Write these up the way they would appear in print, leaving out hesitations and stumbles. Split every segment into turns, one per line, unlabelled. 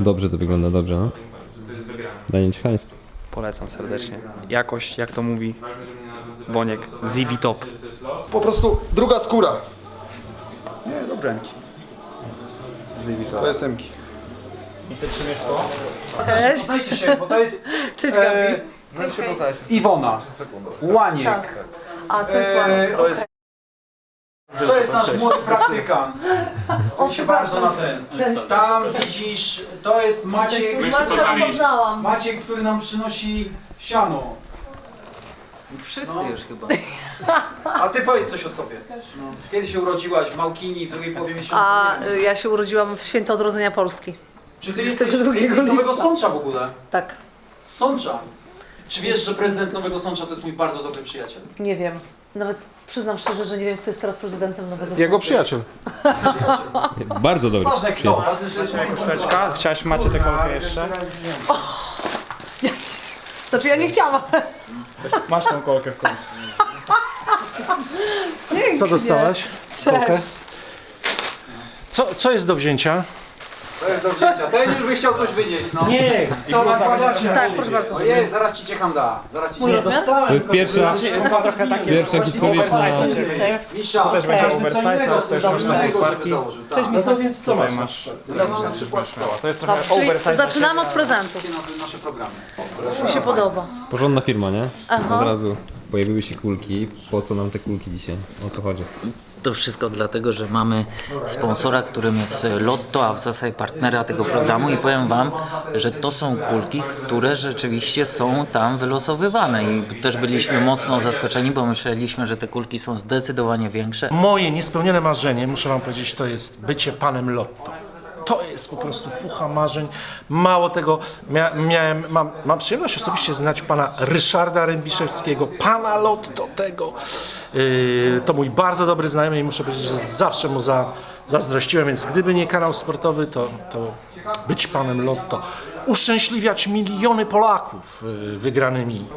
Dobrze to wygląda, dobrze, no. Danie Ciechański.
Polecam serdecznie. Jakość, jak to mówi Boniek, Zibi top.
Po prostu druga skóra. Nie, dobre emki. To jest emki.
Cześć.
Poznajcie się, bo to jest
Cześć Gabi.
Iwona, Łaniek.
Tak. A, to jest ładne.
To jest nasz młody praktykant.
O,
Się bardzo na ten.
Cześć.
Tam widzisz, to jest Maciek.
Maćka poznałam.
Maciek, który nam przynosi siano.
Wszyscy już chyba.
A ty powiedz coś o sobie. No. Kiedy się urodziłaś? W Małkini, w drugiej połowie miesiąca?
A
Nie wiem.
ja się urodziłam w święto odrodzenia Polski.
Czy ty
22
jesteś z Nowego
lipca.
Sącza w ogóle?
Tak,
Z Sącza. Czy wiesz, że prezydent Nowego Sącza to jest mój bardzo dobry przyjaciel?
nie wiem. Nawet przyznam szczerze, że nie wiem, kto jest teraz prezydentem Nowego
Jego przyjaciel.
Bardzo dobry.
Ważne kto, ważne, że jest mój
Koszeczka, chciałaś macie tę kolkę jeszcze?
Znaczy ja nie chciałam.
Masz tą kolkę w końcu.
Pięknie.
Co dostałaś? Kolkę?
Cześć.
Co jest do wzięcia?
To jest do wzięcia. Ten już by chciał coś wynieść, no.
Nie!
Co nakładacie?
Tak, proszę bardzo.
Ojej, zaraz ci ciecham da. Zaraz ci
Mój
ciecham
rozmiar?
To jest pierwsza historyczna...
Unisex.
Misza,
Też będzie
Okej.
oversize, chcesz
coś
masz na
innego, żeby
podparki.
założył.
Cześć,
No to
Michał.
więc co masz?
masz.
Na przykład
To jest trochę
Dobrze, czyli
oversize.
zaczynamy od prezentów.
takie nasze programy.
Już mi się podoba.
Porządna firma, nie?
Aha.
Od razu pojawiły się kulki. Po co nam te kulki dzisiaj? O co chodzi?
To wszystko dlatego, że mamy sponsora, którym jest Lotto, a w zasadzie partnera tego programu i powiem wam, że to są kulki, które rzeczywiście są tam wylosowywane i też byliśmy mocno zaskoczeni, bo myśleliśmy, że te kulki są zdecydowanie większe.
Moje niespełnione marzenie, muszę wam powiedzieć, to jest bycie panem Lotto. To jest po prostu fucha marzeń. Mało tego, mam przyjemność osobiście znać pana Ryszarda Rębiszewskiego, pana Lotto tego. To mój bardzo dobry znajomy i muszę powiedzieć, że zawsze mu zazdrościłem, więc gdyby nie kanał sportowy, to być panem Lotto. Uszczęśliwiać miliony Polaków wygranymi.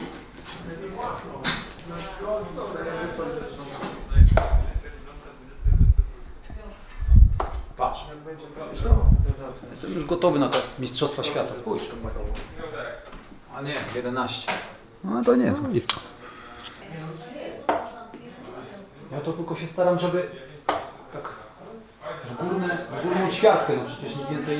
Patrz. Jestem już gotowy na te Mistrzostwa Świata. Spójrz. A nie, 11. No to nie.
Blisko.
Ja to tylko się staram, żeby tak w górną ćwiartkę, no przecież nic więcej nie.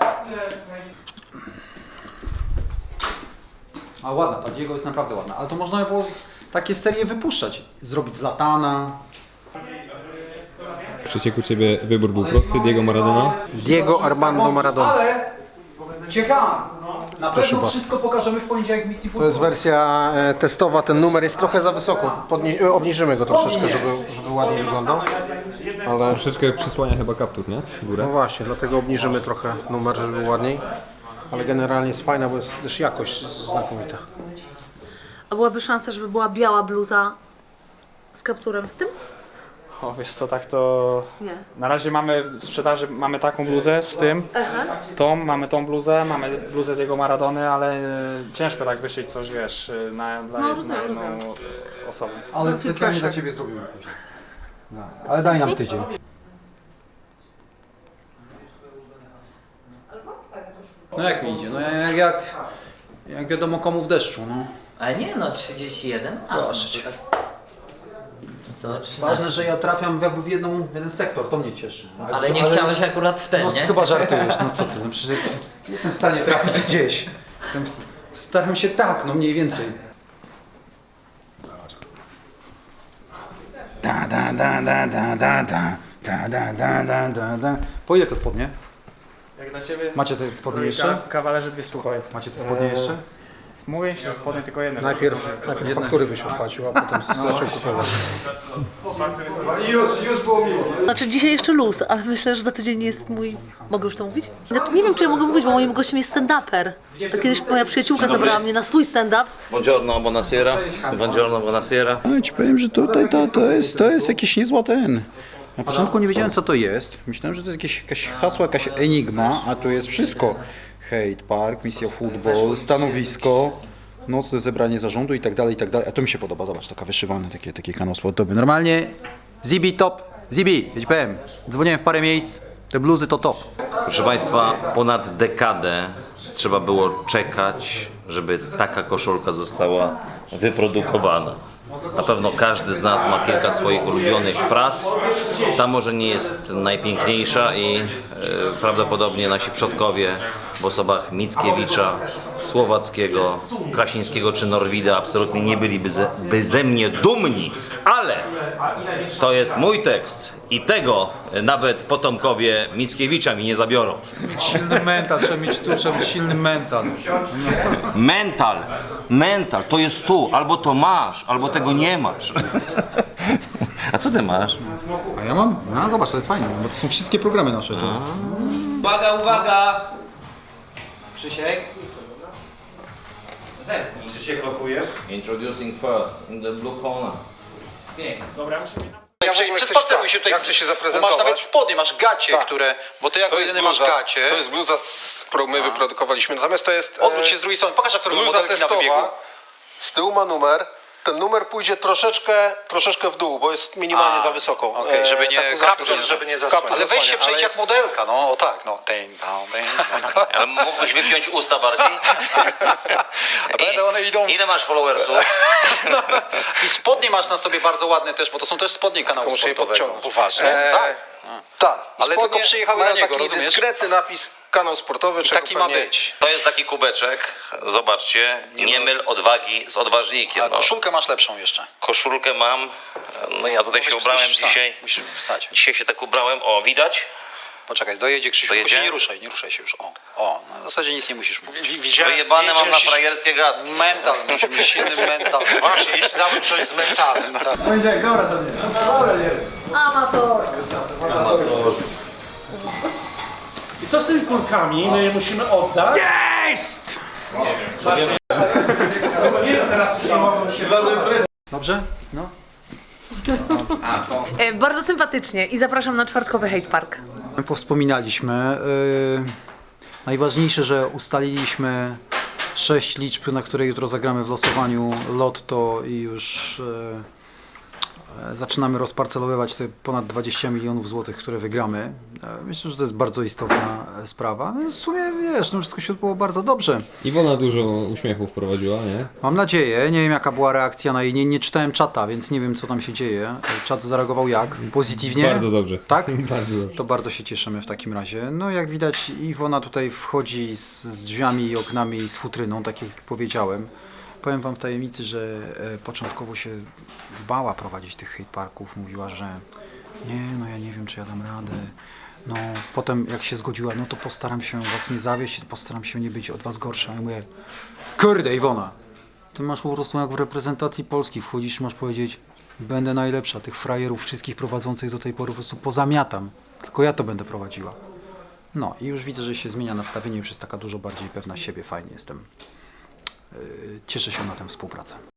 A ładna, ta Diego jest naprawdę ładna, ale to można było takie serie wypuszczać. Zrobić z Latana.
Przecież u Ciebie wybór był prosty, Diego Maradona.
Diego Armando Maradona.
Ale czekam. Na pewno wszystko pokażemy w poniedziałek w misji
To
futbol.
jest wersja testowa, ten numer jest trochę za wysoko. Obniżymy go troszeczkę, żeby ładniej wyglądał. Ale
Troszeczkę przysłania chyba kaptur, nie? W górę.
no właśnie, dlatego obniżymy trochę numer, żeby był ładniej. Ale generalnie jest fajna, bo jest też jakość znakomita.
A byłaby szansa, żeby była biała bluza z kapturem z tym?
O, wiesz co, tak to...
Nie.
Na razie mamy w sprzedaży, mamy taką bluzę z tym, mamy tą bluzę, mamy bluzę Diego Maradony, ale ciężko tak wyszyć coś, wiesz, dla
rozumiem,
jedną
rozumiem.
osobę.
Ale
No,
specjalnie
proszę.
dla Ciebie zrobimy później. No, ale daj nam tydzień. No jak mi idzie? No jak wiadomo komu w deszczu, no.
A nie no, 31?
Proszę cię.
Co, 13?
Ważne, że ja trafiam jakby w jeden sektor, to mnie cieszy.
Ale nie chciałeś akurat w ten,
No
nie?
chyba żartujesz, no co ty, no przecież nie jestem w stanie trafić gdzieś. Staram się tak, no mniej więcej. Da da da da da da da da da da da da da. Po ile te spodnie?
Jak dla Ciebie?
Macie te spodnie jeszcze?
Kawalerzy 200.
Macie te spodnie jeszcze?
Mówię Ci, że spodnie tylko jedne.
Najpierw faktury byś opłacił, a potem zaczął kupować.
Już było miło.
Znaczy dzisiaj jeszcze luz, ale myślę, że za tydzień jest mój... Mogę już to mówić? Znaczy, nie wiem, czy ja mogę mówić, bo moim gościem jest stand-uper. Kiedyś moja przyjaciółka zabrała mnie na swój stand-up.
Buongiorno, buonasera. Buongiorno, buonasera.
No ci powiem, że tutaj to jest jakiś niezła ten. Na początku nie wiedziałem co to jest. Myślałem, że to jest jakaś hasło, jakaś enigma, a tu jest wszystko. Hate Park, misja futbol, stanowisko, nocne zebranie zarządu i tak dalej, i tak dalej. A to mi się podoba, zobacz, taka wyszywane, takie kanał sportowy. Normalnie Zibi top, Zibi, ja ci powiem, dzwoniłem w parę miejsc, Te bluzy to top.
Proszę Państwa, ponad dekadę trzeba było czekać, żeby taka koszulka została wyprodukowana. Na pewno każdy z nas ma kilka swoich ulubionych fraz. Ta może nie jest najpiękniejsza i prawdopodobnie nasi przodkowie w osobach Mickiewicza, Słowackiego, Krasińskiego czy Norwida absolutnie nie byliby ze mnie dumni, ale to jest mój tekst i tego nawet potomkowie Mickiewicza mi nie zabiorą.
Silny mental, trzeba mieć silny mental.
Mental, to jest tu, albo to masz, albo tego nie masz. A co ty masz?
A ja mam? No zobacz, to jest fajne, bo to są wszystkie programy nasze. To.
Uwaga, uwaga! Krzysiek. Zerknij.
Krzysiek blokujesz? Introducing first, in the blue corner.
Pięknie. Dobra, musimy...
Przedstawił się tutaj,
ja chcę się zaprezentować.
Masz nawet spodnie, masz gacie,
Tak.
które, bo ty jako jedyny masz gacie.
To jest bluza, którą my wyprodukowaliśmy. Natomiast to jest
Odwróć się z drugiej strony, pokaż jak to robią
bluza
modelki na wybiegu.
testowa. Z tyłu ma numer. Ten numer pójdzie troszeczkę w dół, bo jest minimalnie za wysoko.
Okej, żeby nie
kaptur, żeby nie zasłaniać.
Ale weź się
ale
przejdź jak
jest-
modelka, no o tak, no.
Ale mógłbyś wypiąć usta bardziej?
Ale one idą.
Ile masz followersów?
I spodnie masz na sobie bardzo ładne też, bo to są też spodnie kanału
Muszę je
sportowego.
podciągnąć.
Poważnie? Tak.
Tak. I
Ale
spodnie
tylko przyjechały
mają
na niego,
taki
rozumiesz?
dyskretny napis kanał sportowy.
I
czego
taki ma
pewnie-
być.
To jest taki kubeczek, zobaczcie, nie myl odwagi z odważnikiem.
A
No.
koszulkę masz lepszą jeszcze.
Koszulkę mam, no ja tutaj się ubrałem dzisiaj.
Musisz wstać.
Dzisiaj się tak ubrałem, o widać?
Poczekaj, dojedzie Krzysiu, tylko
Dojedzie?
się nie ruszaj się już. O, no w zasadzie nic nie musisz mówić.
Widziałem
Wyjebane mam na
zdjęcie,
frajerskie gadki.
Mental, musimy mieć silny mental.
Właśnie, jeśli dałbym coś z mentalem.
Amator.
I co z tymi kulkami? My je musimy oddać. Jest! Nie wiem. Nie wiem, teraz już nie mogą się...
Dobrze? No.
Bardzo sympatycznie i zapraszam na czwartkowy Hate Park.
Powspominaliśmy. Najważniejsze, że ustaliliśmy 6 liczb, na które jutro zagramy w losowaniu Lotto i już zaczynamy rozparcelowywać te ponad 20 milionów złotych, które wygramy. Myślę, że to jest bardzo istotna sprawa. W sumie wiesz, no wszystko się odbyło bardzo dobrze.
Iwona dużo uśmiechów prowadziła, nie?
Mam nadzieję, nie wiem jaka była reakcja na jej, nie czytałem czata, więc nie wiem co tam się dzieje. Czat zareagował jak? Pozytywnie?
Bardzo dobrze.
Tak?
Bardzo dobrze.
To bardzo się cieszymy w takim razie. No jak widać Iwona tutaj wchodzi z drzwiami i oknami i z futryną, tak jak powiedziałem. Powiem wam w tajemnicy, że początkowo się bała prowadzić tych hate parków. Mówiła, że nie, no ja nie wiem czy ja dam radę. No potem jak się zgodziła, no to postaram się was nie zawieść, postaram się nie być od was gorsza. Ja mówię, kurde Iwona, ty masz po prostu jak w reprezentacji Polski wchodzisz, masz powiedzieć, będę najlepsza, tych frajerów wszystkich prowadzących do tej pory po prostu pozamiatam. Tylko ja to będę prowadziła. No i już widzę, że się zmienia nastawienie, już jest taka dużo bardziej pewna siebie, fajnie jestem. Cieszę się na tę współpracę.